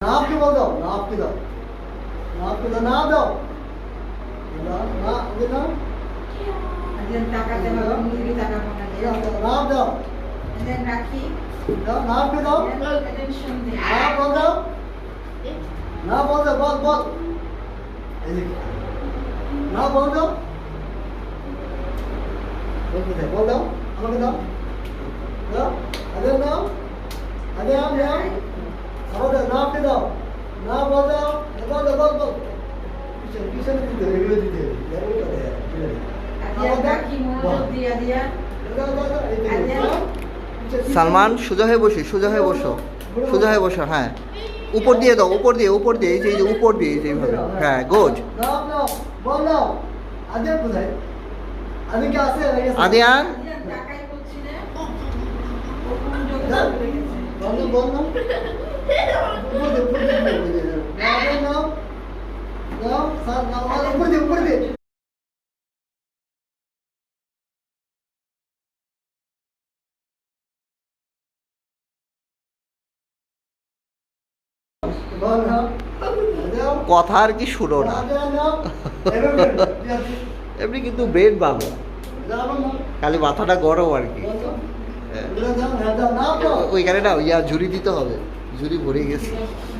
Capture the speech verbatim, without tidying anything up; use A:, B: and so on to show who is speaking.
A: नाप के बोल दो, नाप के दो, नाप के दो, नाप दो, ना ना ये ना,
B: Then taka jama mungkin taka mana
A: ये
B: dia.
A: नाप दो,
B: And then Rakhi.
A: दो नाप के दो,
B: And then Shandi.
A: नाप बोल दो, नाप बोल दो, बोल बोल, नाप बोल दो, बोल किधर बोल दो, हम दो, दो, अरे ना, अरे हम ना, हम दो नाप के दो, नाप बोल दो, बोल दो बोल बोल, पीछे पीछे नहीं दे रहे दे दे, यार वो कर रहे हैं,
B: Dia Rakhi mau dia dia.
C: Salman সোজা হয়ে বসে সোজা হয়ে বসো সোজা হয়ে বসো হ্যাঁ উপর দিয়ে দাও উপর দিয়ে উপর দিয়ে এই যে এই যে উপর দিয়ে এই যে এইভাবে হ্যাঁ গুড
A: नाप लो, बोल दो, आधे बुझाए, आधे क्या आसे लगे?
C: Adiyan
B: Dia takai kucine. Okum
A: बोल दो बोल दो, ऊपर दे ऊपर दे ऊपर दे, नाप नाप, नाप साथ नाप ऊपर दे ऊपर दे. बोल ना,
C: কথা আর কি শুনো না এমনি কিন্তু ব্রেন বাংলা খালি মাথাটা গরম আর কি ওইখানে না ইয়া ঝুড়ি দিতে হবে ঝুড়ি ভরে গেছে